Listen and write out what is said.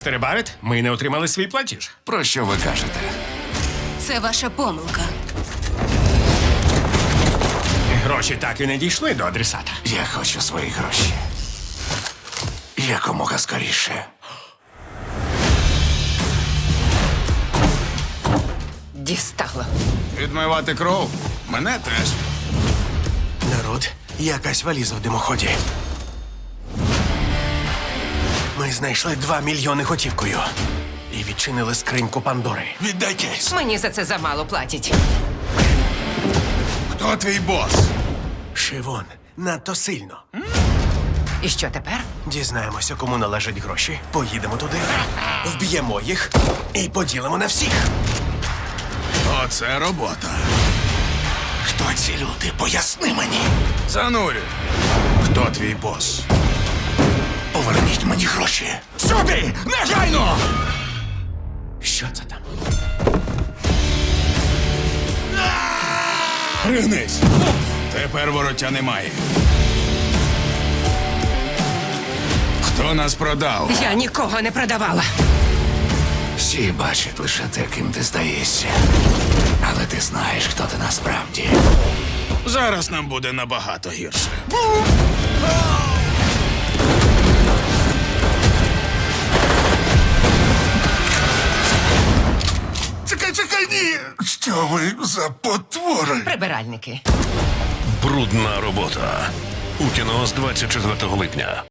Теребарет, ми не отримали свій платіж. Про що ви кажете? Це ваша помилка. Гроші так і не дійшли до адресата. Я хочу свої гроші. Якомога скоріше. Дістало. Відмивати кров? Мене теж. Народ, якась валіза в димоході. Ми знайшли 2 мільйони готівкою. І відчинили скриньку Пандори. Віддай кейс. Мені за це замало платять. Хто твій бос? Шивон, надто сильно. І що тепер? Дізнаємося, кому належать гроші. Поїдемо туди, вб'ємо їх і поділимо на всіх. Оце робота. Хто ці люди? Поясни мені. Занурю. Хто твій бос? Поверніть мені гроші. Сюди! Негайно! Що це там? Пригнись. Тепер вороття немає. Хто нас продав? Я нікого не продавала. Всі бачать лише те, ким ти здаєшся. Але ти знаєш, хто ти насправді. Зараз нам буде набагато гірше. Чекай, ні! Що ви за потвори? Прибиральники. Брудна робота. У кіно з 24 липня.